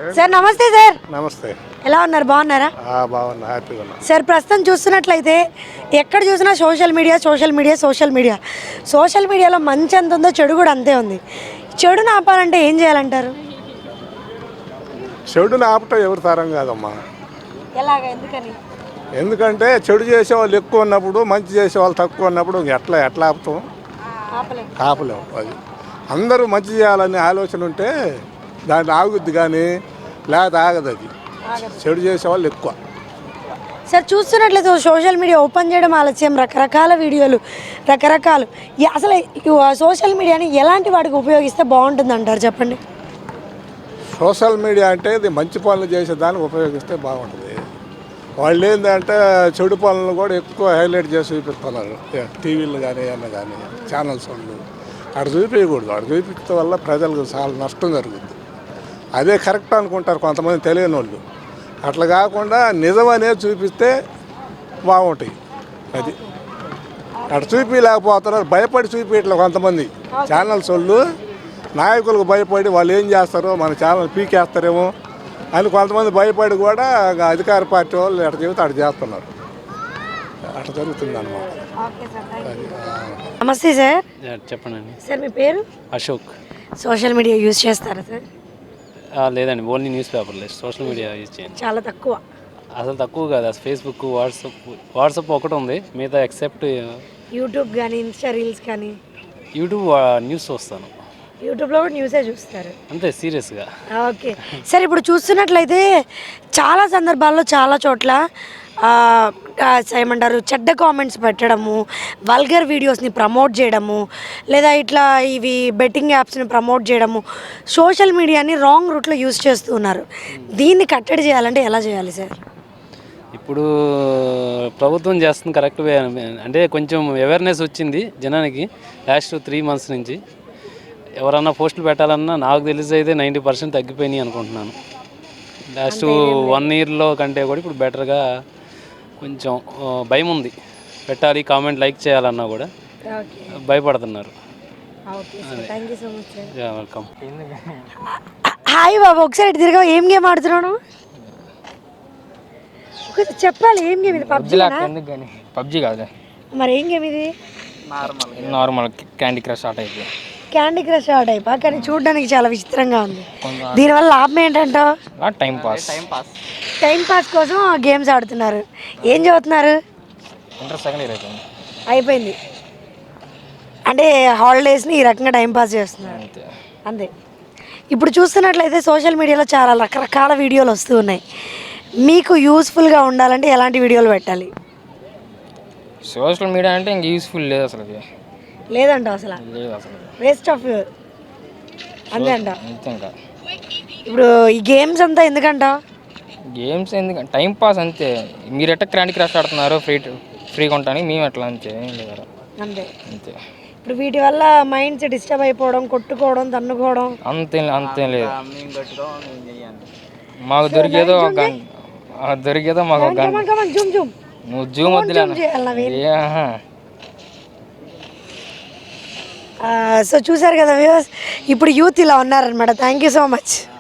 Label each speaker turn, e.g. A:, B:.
A: Sir నమస్తే sir.
B: నమస్తే.
A: ఎలా ఉన్నారు? బాగున్నారా?
B: బాగున్నా, హ్యాపీగా ఉన్నా
A: సార్. ప్రస్తుతం చూస్తున్నట్లయితే ఎక్కడ చూసినా సోషల్ మీడియాలో మంచి ఎంత ఉందో చెడు కూడా అంతే ఉంది. చెడుని ఆపాలంటే ఏం చేయాలంటారు?
B: చెడుని ఆపటం ఎవరి తరం కాదమ్మా.
A: ఎలాగా? ఎందుకని?
B: ఎందుకంటే చెడు చేసేవాళ్ళు ఎక్కువ ఉన్నప్పుడు, మంచి చేసేవాళ్ళు తక్కువ ఉన్నప్పుడు ఎట్లా ఆపుతాం? ఆపలేము. అది అందరూ మంచి చేయాలనే ఆలోచన ఉంటే దాన్ని ఆగుద్ది, కానీ లేకపోతే ఆగదు. అది చెడు చేసేవాళ్ళు ఎక్కువ.
A: సార్ చూస్తున్నట్లయితే సోషల్ మీడియా ఓపెన్ చేయడం ఆలస్యం, రకరకాల వీడియోలు, అసలు సోషల్ మీడియాని ఎలాంటి వాటికి ఉపయోగిస్తే బాగుంటుంది అంటారు? చెప్పండి.
B: సోషల్ మీడియా అంటే ఇది మంచి పనులు చేసేదానికి ఉపయోగిస్తే బాగుంటుంది. వాళ్ళు ఏంటంటే చెడు పనులను కూడా ఎక్కువ హైలైట్ చేసి చూపిస్తున్నారు. టీవీలు కానీ ఏమన్నా కానీ ఛానల్స్ వాళ్ళు అక్కడ చూపించకూడదు. అక్కడ చూపించడం వల్ల ప్రజలకు చాలా నష్టం జరుగుతుంది. అదే కరెక్ట్ అనుకుంటారు కొంతమంది తెలియని వాళ్ళు. అట్లా కాకుండా నిజమనే చూపిస్తే బాగుంటాయి. అది అక్కడ చూపించలేకపోతున్నారు, భయపడి చూపించట్లే కొంతమంది ఛానల్స్ వాళ్ళు. నాయకులకు భయపడి వాళ్ళు ఏం చేస్తారో మన ఛానల్ పీకేస్తారేమో అని కొంతమంది భయపడి కూడా అధికార పార్టీ వాళ్ళు ఎట్లా చెబితే అటు చేస్తున్నారు. అట్లా జరుగుతుంది అన్నమాట.
A: నమస్తే సార్.
C: చెప్పండి
A: సార్. మీ పేరు?
C: అశోక్.
A: సోషల్ మీడియా యూజ్ చేస్తారా సార్?
C: లేదండి, ఓన్లీ న్యూస్ పేపర్ లేదు, సోషల్ మీడియా యూజ్ చేయండి.
A: చాలా తక్కువ.
C: అసలు తక్కువ కాదు. అసలు ఫేస్బుక్, వాట్సాప్ ఒకటి ఉంది, మిగతా ఎక్సెప్ట్
A: యూట్యూబ్ కానీ, ఇన్స్టా రీల్స్ కానీ.
C: యూట్యూబ్ న్యూస్ చూస్తాను.
A: యూట్యూబ్లో కూడా న్యూసే చూస్తారు?
C: అంతే, సీరియస్గా.
A: Okay sir. ఇప్పుడు చూస్తున్నట్లయితే చాలా సందర్భాల్లో చాలా చోట్ల ఏమంటారు, చెడ్డ కామెంట్స్ పెట్టడము, వల్గర్ వీడియోస్ని ప్రమోట్ చేయడము, లేదా ఇట్లా ఇవి బెట్టింగ్ యాప్స్ని ప్రమోట్ చేయడము, సోషల్ మీడియాని రాంగ్ రూట్లో యూజ్ చేస్తూ ఉన్నారు. దీన్ని కట్టడి చేయాలంటే ఎలా చేయాలి సార్?
C: ఇప్పుడు ప్రభుత్వం చేస్తుంది కరెక్ట్ వే. అంటే కొంచెం అవేర్నెస్ వచ్చింది జనానికి లాస్ట్ 3 months నుంచి. ఎవరన్నా పోస్టులు పెట్టాలన్నా నాకు తెలిసి అయితే 90% తగ్గిపోయినాయి అనుకుంటున్నాను. లాస్ట్ 1 yearలో కంటే కూడా ఇప్పుడు బెటర్గా కొంచెం భయం ఉంది. పెట్టాలి, కామెంట్ లైక్ చేయాలన్నా కూడా భయపడుతున్నారు. వెల్కమ్.
A: హాయ్ బాబు, ఒకసారి ఇటు తిరగా. ఏం గేమ్ ఆడుతున్నాను చెప్పాలి. ఏం గేమ్ ఇది?
D: పబ్జీ కాదు
A: మరి ఏం గేమ్ ఇది?
D: నార్మల్ క్యాండీ క్రష్ ఆట అయిపోయి.
A: క్యాండీ క్రష్ ఆట అయిపో, కానీ చూడడానికి చాలా విచిత్రంగా ఉంది. దీనివల్ల లాభం ఏంటంటావు? టైం పాస్ కోసం గేమ్స్ ఆడుతున్నారు. ఏం చదువుతున్నారు? అయిపోయింది అంటే హాలిడేస్ని ఈ రకంగా టైంపాస్ చేస్తున్నారు అంతే. ఇప్పుడు చూస్తున్నట్లయితే సోషల్ మీడియాలో చాలా రకరకాల వీడియోలు వస్తూ ఉన్నాయి. మీకు యూస్ఫుల్గా ఉండాలంటే ఎలాంటి వీడియోలు పెట్టాలి?
D: సోషల్ మీడియా అంటే ఇంక యూస్ఫుల్ లేదు అసలు.
A: లేదంట అసలు వేస్ట్ ఆఫ్ అంతే అంట. ఇప్పుడు ఈ గేమ్స్ అంతా ఎందుకంట?
D: గేమ్స్ ఎందుకంటే టైం పాస్ అంతే. మీరు ఎట్లా క్యాండీ క్రష్ ఆడుతున్నారు ఫ్రీగా ఉంటాను, మేము ఎట్లా అంతే
A: అంతే అంతే. ఇప్పుడు వీటి వల్ల మైండ్స్ డిస్టర్బ్ అయిపోవడం, కొట్టుకోవడం, తన్నుకోవడం
D: అంతే లేదు. మాకు దొరికేదో మాకు నువ్వు జూమ్ వద్దులే.
A: సో చూసారు కదా వ్యూవర్స్, ఇప్పుడు యూత్ ఇలా ఉన్నారనమాట. Thank you so much.